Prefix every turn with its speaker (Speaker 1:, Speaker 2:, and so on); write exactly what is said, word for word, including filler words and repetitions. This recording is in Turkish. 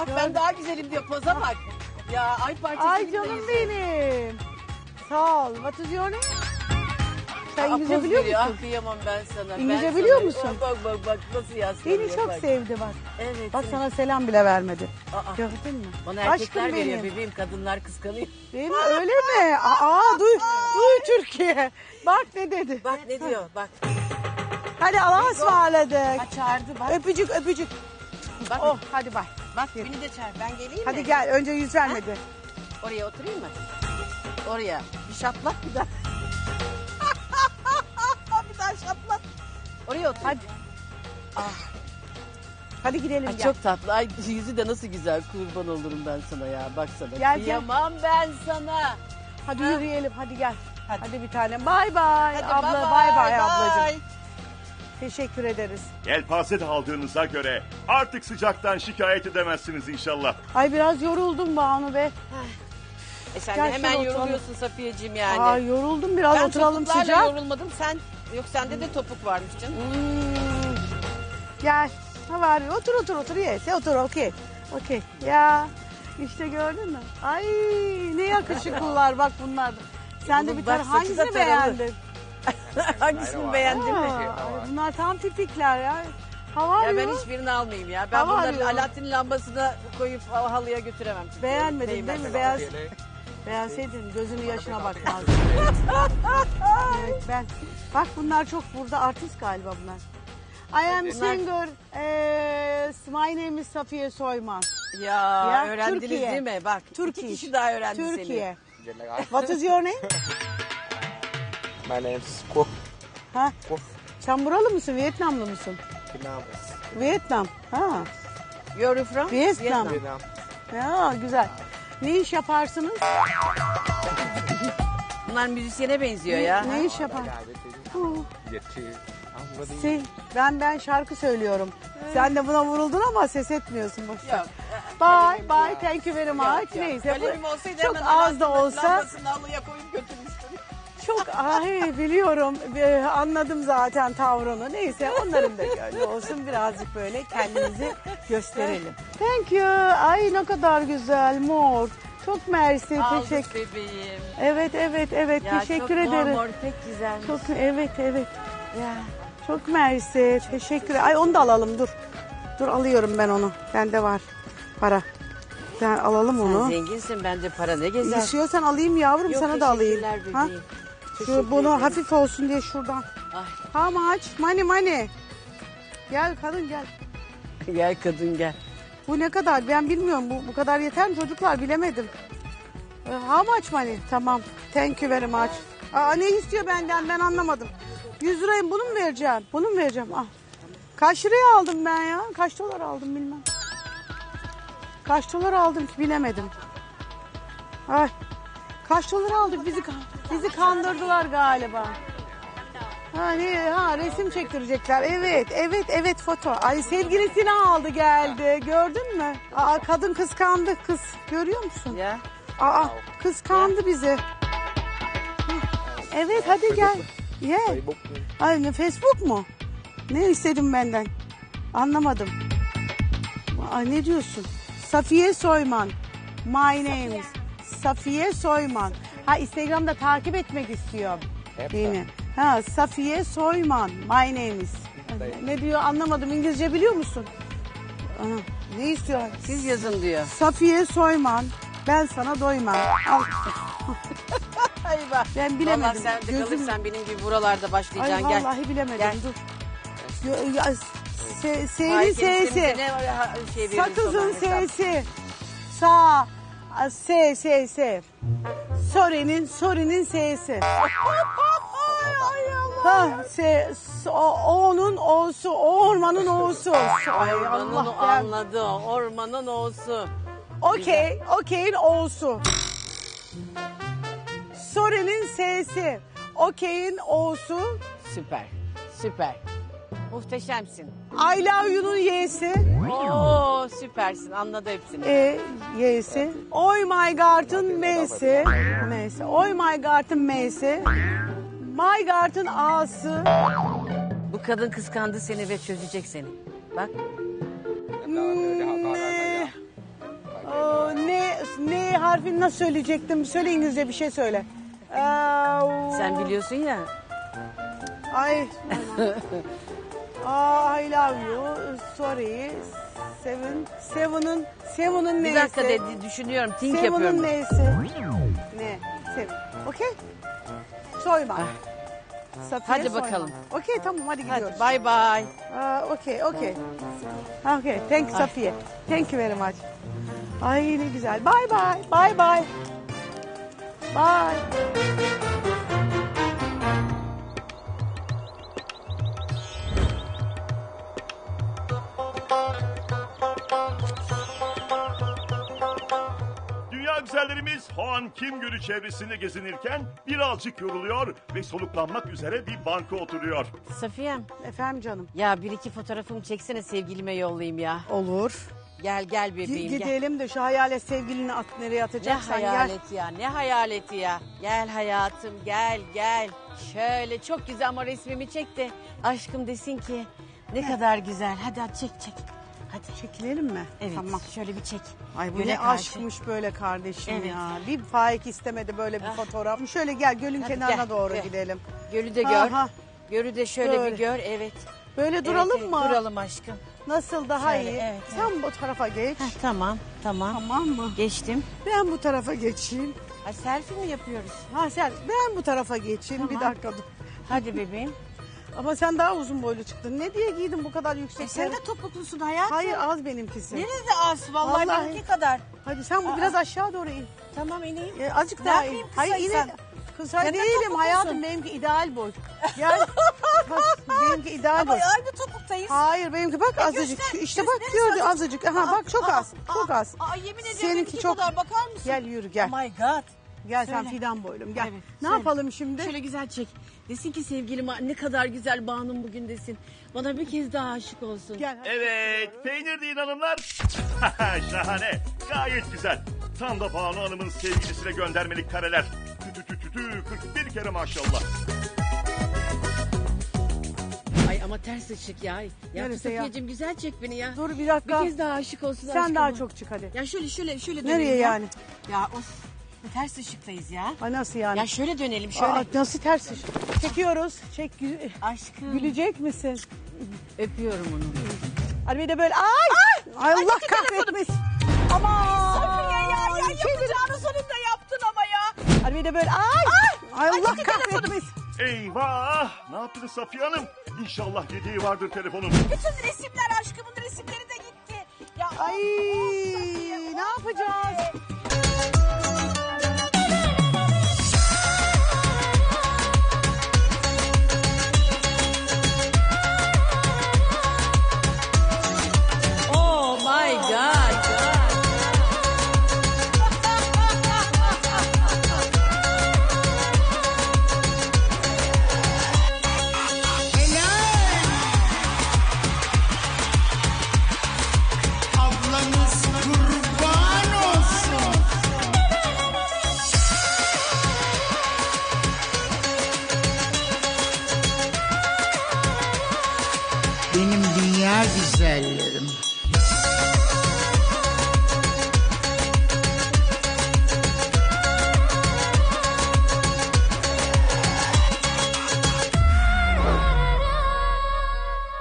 Speaker 1: bak ben daha güzelim diyor. Poza bak. Ya ay parçası
Speaker 2: Ay
Speaker 1: gibi
Speaker 2: canım
Speaker 1: değilsin.
Speaker 2: benim. Sağ ol. What is your name? Sen
Speaker 1: Aa,
Speaker 2: İngilizce
Speaker 1: poz
Speaker 2: biliyor
Speaker 1: veriyor.
Speaker 2: musun?
Speaker 1: Ah kıyamam ben sana.
Speaker 2: İngilizce
Speaker 1: ben
Speaker 2: biliyor
Speaker 1: sana...
Speaker 2: musun?
Speaker 1: Bak bak bak nasıl yaslanıyor.
Speaker 2: Beni çok
Speaker 1: bak.
Speaker 2: sevdi bak.
Speaker 1: Evet.
Speaker 2: Bak
Speaker 1: seni-
Speaker 2: sana selam bile vermedi.
Speaker 1: Aa,
Speaker 2: Gördün mü?
Speaker 1: bana erkekler
Speaker 2: Aşkım
Speaker 1: veriyor
Speaker 2: benim.
Speaker 1: bebeğim. Kadınlar kıskanıyor.
Speaker 2: Değil mi? Öyle mi? Aa duy, duy Türkiye. Bak ne dedi.
Speaker 1: Bak ne diyor bak.
Speaker 2: Hadi Allah'a ısmarladık.
Speaker 1: Ha, çağırdı bak.
Speaker 2: Öpücük öpücük.
Speaker 1: Bak,
Speaker 2: Oh hadi bay.
Speaker 1: bak beni de çağır. Ben geleyim
Speaker 2: Hadi
Speaker 1: mi?
Speaker 2: gel önce yüz vermedi.
Speaker 1: Oraya oturayım mı? Oraya. Bir şaplak bir daha. bir daha şaplak. Oraya otur.
Speaker 2: Hadi.
Speaker 1: Ah.
Speaker 2: Hadi gidelim
Speaker 1: Ay,
Speaker 2: gel.
Speaker 1: çok tatlı. Ay yüzü de nasıl güzel. Kurban olurum ben sana ya. Baksana.
Speaker 2: Gel, gel.
Speaker 1: Kıyamam ben sana.
Speaker 2: Hadi
Speaker 1: Ha?
Speaker 2: yürüyelim hadi gel.
Speaker 1: Hadi.
Speaker 2: Hadi, bir tanem. Bay bay.
Speaker 1: Hadi
Speaker 2: Abla
Speaker 1: bye
Speaker 2: bay
Speaker 1: bye,
Speaker 2: bay
Speaker 1: bye.
Speaker 2: ablacığım. Teşekkür ederiz.
Speaker 3: Yelpaze de aldığınıza göre artık sıcaktan şikayet edemezsiniz inşallah.
Speaker 2: Ay biraz yoruldum Banu be.
Speaker 1: E sen
Speaker 2: Gel
Speaker 1: de hemen
Speaker 2: şöyle
Speaker 1: yoruluyorsun
Speaker 2: oturalım.
Speaker 1: Safiyeciğim yani.
Speaker 2: Ay yoruldum biraz
Speaker 1: ben
Speaker 2: oturalım
Speaker 1: topuklarla
Speaker 2: sıcak.
Speaker 1: yorulmadım. Sen yok sende de topuk varmış canım.
Speaker 2: Hmm. Gel. Ne var? Otur otur otur yes. Otur okey. Okey. Ya işte gördün mü? Ay ne yakışıklılar bak bunlar. Sen de
Speaker 1: Oğlum
Speaker 2: bir
Speaker 1: bak,
Speaker 2: tane
Speaker 1: saçı da
Speaker 2: hangisini
Speaker 1: taralı.
Speaker 2: beğendin?
Speaker 1: Hangisini beğendin mi?
Speaker 2: Aa, ay bunlar tam tipikler ya. Hava
Speaker 1: Ya ben
Speaker 2: arıyor.
Speaker 1: hiçbirini almayayım ya. Ben
Speaker 2: Hava
Speaker 1: bunları
Speaker 2: arıyor.
Speaker 1: Alaaddin lambasına koyup halıya götüremem. Çünkü
Speaker 2: Beğenmedin
Speaker 1: değmez.
Speaker 2: değil mi? Beğen... Beğenseydin gözünün yaşına bakmazdın. Evet ben. Bak bunlar çok burada artist galiba bunlar. I am singer. Eee my name is Safiye Soyman.
Speaker 1: Ya,
Speaker 2: Ya,
Speaker 1: öğrendiniz
Speaker 2: Türkiye.
Speaker 1: değil mi? Bak
Speaker 2: Türkiye.
Speaker 1: iki kişi daha öğrendi
Speaker 2: Türkiye.
Speaker 4: General.
Speaker 2: What is your name?
Speaker 4: My name's Quốc.
Speaker 2: Ha?
Speaker 4: Quốc.
Speaker 2: Sen buralı mısın? Vietnamlı mısın?
Speaker 4: Vietnam.
Speaker 2: Vietnam. Ha.
Speaker 1: seni. You're from?
Speaker 2: Vietnam.
Speaker 4: Vietnam.
Speaker 2: Ya güzel. Ne iş yaparsınız?
Speaker 1: Bunlar müzisyene benziyor ya.
Speaker 2: Ne iş yapar? Hı.
Speaker 4: Việt thì không có đi.
Speaker 2: Şey, ben ben şarkı söylüyorum. Sen de buna vuruldun ama ses etmiyorsun boşver.
Speaker 1: Yok.
Speaker 2: Bye bye thank you very much. Neyse
Speaker 1: Kalemim
Speaker 2: bu
Speaker 1: olsaydı
Speaker 2: çok
Speaker 1: hemen
Speaker 2: az da
Speaker 1: Alaaddin'in
Speaker 2: olsa
Speaker 1: lambasını halıya koyup götürmüştüm.
Speaker 2: çok ay biliyorum Ee, anladım zaten tavrını. Neyse onların da gönlü olsun birazcık böyle kendimizi gösterelim. Thank you. Ay ne kadar güzel mor. Çok mersi
Speaker 1: Aldık
Speaker 2: teşekkür.
Speaker 1: bebeğim.
Speaker 2: Evet evet evet
Speaker 1: Ya
Speaker 2: teşekkür
Speaker 1: çok
Speaker 2: ederim.
Speaker 1: mor mor pek güzel.
Speaker 2: Çok evet evet.
Speaker 1: Ya.
Speaker 2: Çok mersi. Teşekkür. Ay onu da alalım dur. Dur alıyorum ben onu. Bende var para. Ben alalım
Speaker 1: Sen
Speaker 2: onu.
Speaker 1: zenginsin bence para ne gezer.
Speaker 2: İstiyorsan alayım yavrum
Speaker 1: Yok,
Speaker 2: sana da alayım.
Speaker 1: teşekkürler
Speaker 2: Ha?
Speaker 1: bebeğim.
Speaker 2: Şu
Speaker 1: Teşekkür
Speaker 2: bunu
Speaker 1: ederim.
Speaker 2: hafif olsun diye şuradan.
Speaker 1: Ay,
Speaker 2: Ha maç money money. Gel kadın gel.
Speaker 1: gel kadın gel.
Speaker 2: Bu ne kadar ben bilmiyorum. Bu, bu kadar yeter mi çocuklar bilemedim. Ee, How much money? Tamam. Thank you very much. Aa, ne istiyor benden ben anlamadım. yüz lirayı bunu mu vereceğim? Bunu mu vereceğim? Ah. Kaç liraya aldım ben ya? Kaç dolar aldım bilmem. Kaç dolar aldım ki bilemedim. Ay. Kaç dolar aldık bizi bizi kandırdılar galiba. Ha, ne, ha resim çektirecekler. Evet, evet, evet foto. Ay sevgilisini aldı geldi. Gördün mü? Aa kadın kıskandı kız. Görüyor musun?
Speaker 1: Ya.
Speaker 2: Aa kıskandı bizi. Hı. Evet hadi gel. Ye.
Speaker 4: Facebook.
Speaker 2: Ay ne Facebook mu? Ne istedin benden? Anlamadım. Ay ne diyorsun? Safiye Soyman. My name is Safiye Soyman. Ha Instagram'da takip etmek istiyor. Beni. Ha Safiye Soyman. My name is. Ne diyor anlamadım. İngilizce biliyor musun? Aha, ne istiyor?
Speaker 1: Siz yazın diyor.
Speaker 2: Safiye Soyman. Ben sana doymam. Al.
Speaker 1: Ay bak.
Speaker 2: Ben bilemedim.
Speaker 1: Vallahi sen de
Speaker 2: Gözüm-
Speaker 1: kalırsan benim gibi buralarda
Speaker 2: Ay
Speaker 1: başlayacaksın. Gel.
Speaker 2: vallahi bilemedim.
Speaker 1: Gel.
Speaker 2: Dur. Yo- ya, se, S'nin
Speaker 1: Ay,
Speaker 2: S'si.
Speaker 1: kendimize ne var, ha, şey veririz
Speaker 2: Sakızın
Speaker 1: ona hesap.
Speaker 2: S'si. Sağ. a, S, S, S. Sore'nin, Sore'nin S'si. Ha, S, S- o, O'nun O'su, o ormanın O'su. Ay
Speaker 1: Ormanın
Speaker 2: Allah
Speaker 1: o
Speaker 2: ben.
Speaker 1: anladı. o, Ormanın o'su.
Speaker 2: Okey, okey'in O'su. Sore'nin S'si. Okey'in O'su.
Speaker 1: Süper. Süper. Muhteşemsin.
Speaker 2: I love you'nun Y'si.
Speaker 1: Oo süpersin. Anladı hepsini.
Speaker 2: E, Y'si. Oy my God'ın M'si. M'si. Oy my God'ın M'si. My God'ın A'sı.
Speaker 1: Bu kadın kıskandı seni ve çözecek seni. Bak.
Speaker 2: Hmm, harfini nasıl söyleyecektim? Söyle İngilizce bir şey söyle. Ee,
Speaker 1: Sen biliyorsun ya.
Speaker 2: Ay. Aa, I love you. Sorry. Seven. Seven'ın Seven'ın neyse.
Speaker 1: Bir dakika dedi düşünüyorum. Think
Speaker 2: Seven'ın
Speaker 1: yapıyorum.
Speaker 2: neyse. Ne? Seven. Okey. Soyma. Safiye
Speaker 1: Hadi
Speaker 2: Soyman.
Speaker 1: bakalım.
Speaker 2: Okey tamam hadi gidiyoruz.
Speaker 1: Hadi bye bye.
Speaker 2: Aa, okey okey. Okay, thank you Safiye. Thank you very much. Ay ne güzel. Bye bye. Bye bye. Bye.
Speaker 3: Dünya güzellerimiz Hoan Kim Gölü çevresinde gezinirken birazcık yoruluyor ve soluklanmak üzere bir banka oturuyor.
Speaker 1: Safiyem.
Speaker 2: Efendim canım.
Speaker 1: Ya bir iki fotoğrafımı çeksene sevgilime yollayayım ya.
Speaker 2: Olur.
Speaker 1: Gel gel bebeğim gel.
Speaker 2: Gidelim de şu hayalet sevgilini at nereye
Speaker 1: Ne
Speaker 2: atacaksan gel.
Speaker 1: hayaleti ya ne hayaleti ya. Gel hayatım gel gel. Şöyle çok güzel ama resmimi çek de aşkım desin ki ne kadar güzel. Hadi hadi çek çek. Hadi.
Speaker 2: Çekilelim mi?
Speaker 1: Evet
Speaker 2: Tamam.
Speaker 1: şöyle bir çek.
Speaker 2: Ay bu
Speaker 1: Göle
Speaker 2: ne
Speaker 1: karşı.
Speaker 2: aşkmış böyle kardeşim
Speaker 1: Evet.
Speaker 2: ya. Bir faik istemedi böyle bir
Speaker 1: Ah.
Speaker 2: fotoğraf. Şöyle gel gölün
Speaker 1: Hadi
Speaker 2: kenarına
Speaker 1: gel,
Speaker 2: doğru
Speaker 1: gel.
Speaker 2: gidelim.
Speaker 1: Gölü de gör.
Speaker 2: Aha.
Speaker 1: Gölü de şöyle
Speaker 2: Böyle.
Speaker 1: bir gör evet.
Speaker 2: Böyle
Speaker 1: Evet,
Speaker 2: duralım
Speaker 1: evet,
Speaker 2: mı?
Speaker 1: Duralım aşkım.
Speaker 2: Nasıl daha
Speaker 1: Şöyle,
Speaker 2: iyi?
Speaker 1: evet,
Speaker 2: Sen bu tarafa geç.
Speaker 1: Heh, tamam tamam.
Speaker 2: Tamam mı?
Speaker 1: Geçtim.
Speaker 2: Ben bu tarafa geçeyim.
Speaker 1: Ha, selfie mi yapıyoruz?
Speaker 2: Ha sen ben bu tarafa geçeyim. Bir
Speaker 1: Tamam.
Speaker 2: dakika dur.
Speaker 1: Hadi bebeğim.
Speaker 2: Ama sen daha uzun boylu çıktın. Ne diye giydin bu kadar yüksek?
Speaker 1: E sen de topuklusun hayatım.
Speaker 2: Hayır az benimkisi.
Speaker 1: Nerede az? Vallahi,
Speaker 2: Vallahi.
Speaker 1: benimki kadar.
Speaker 2: Hadi sen bu
Speaker 1: Aa.
Speaker 2: biraz aşağı doğru in.
Speaker 1: Tamam ineyim.
Speaker 2: E, azıcık
Speaker 1: Ne
Speaker 2: daha in.
Speaker 1: yapayım
Speaker 2: Hayır
Speaker 1: kısaysan?
Speaker 2: in. Kısa
Speaker 1: Sen de
Speaker 2: değilim
Speaker 1: topuklusun.
Speaker 2: hayatım benimki ideal boy. Gel. Bak, benimki ideal
Speaker 1: Ama
Speaker 2: boy.
Speaker 1: aynı topuktayız.
Speaker 2: Hayır benimki bak azıcık.
Speaker 1: göster,
Speaker 2: işte
Speaker 1: göster,
Speaker 2: bak
Speaker 1: neresi
Speaker 2: gördü
Speaker 1: azıcık?
Speaker 2: azıcık. Aha bak çok
Speaker 1: Aa,
Speaker 2: az.
Speaker 1: aa,
Speaker 2: Çok az.
Speaker 1: Aa, yemin ediyorum
Speaker 2: Seninki
Speaker 1: benimki
Speaker 2: çok.
Speaker 1: kadar bakar mısın?
Speaker 2: Gel yürü gel.
Speaker 1: Oh my god.
Speaker 2: Gel sen
Speaker 1: Söyle.
Speaker 2: fidan boylum gel.
Speaker 1: Evet,
Speaker 2: ne
Speaker 1: söyle.
Speaker 2: yapalım şimdi?
Speaker 1: Şöyle güzel çek. Desin ki sevgilim ne kadar güzel Banu'm bugün desin. Bana bir kez daha aşık olsun.
Speaker 2: Gel.
Speaker 3: Evet, peynir deyin hanımlar. Şahane, gayet güzel. Tam da Banu Hanım'ın sevgilisine göndermelik kareler. Tü tü tü tü kırk bir kere maşallah.
Speaker 1: Ay ama ters ışık ya. Ya
Speaker 2: Neresi ya?
Speaker 1: Safiyeciğim güzel çek beni ya.
Speaker 2: Dur bir dakika.
Speaker 1: Bir kez daha aşık olsun
Speaker 2: Sen
Speaker 1: aşkıma.
Speaker 2: daha çok çık hadi.
Speaker 1: Ya şöyle şöyle şöyle
Speaker 2: Nereye
Speaker 1: dönelim ya.
Speaker 2: yani?
Speaker 1: Ya of. Ters ışıktayız ya.
Speaker 2: Ay nasıl yani?
Speaker 1: Ya şöyle dönelim şöyle.
Speaker 2: Aa, nasıl ters iş? Çekiyoruz. Çek. gü-
Speaker 1: Aşkım.
Speaker 2: Gülecek misin?
Speaker 1: Öpüyorum onu.
Speaker 2: Hadi bir de böyle ay. Ay, Allah
Speaker 1: gitti telefonum.
Speaker 2: kahretmesin.
Speaker 1: Aman. Safiye ya ya yapacağını sonunda yaptın ama ya.
Speaker 2: Hadi bir de böyle ay. Ay, Allah kahretmesin.
Speaker 3: Eyvah! Ne yaptınız Safiye Hanım? İnşallah yediği vardır telefonun.
Speaker 1: Bütün resimler aşkımın resimleri de gitti. Ya
Speaker 2: Ay ne yapacağız?
Speaker 1: oh my god.
Speaker 5: Ablanız kurban olsun. Benim dünya güzellerim.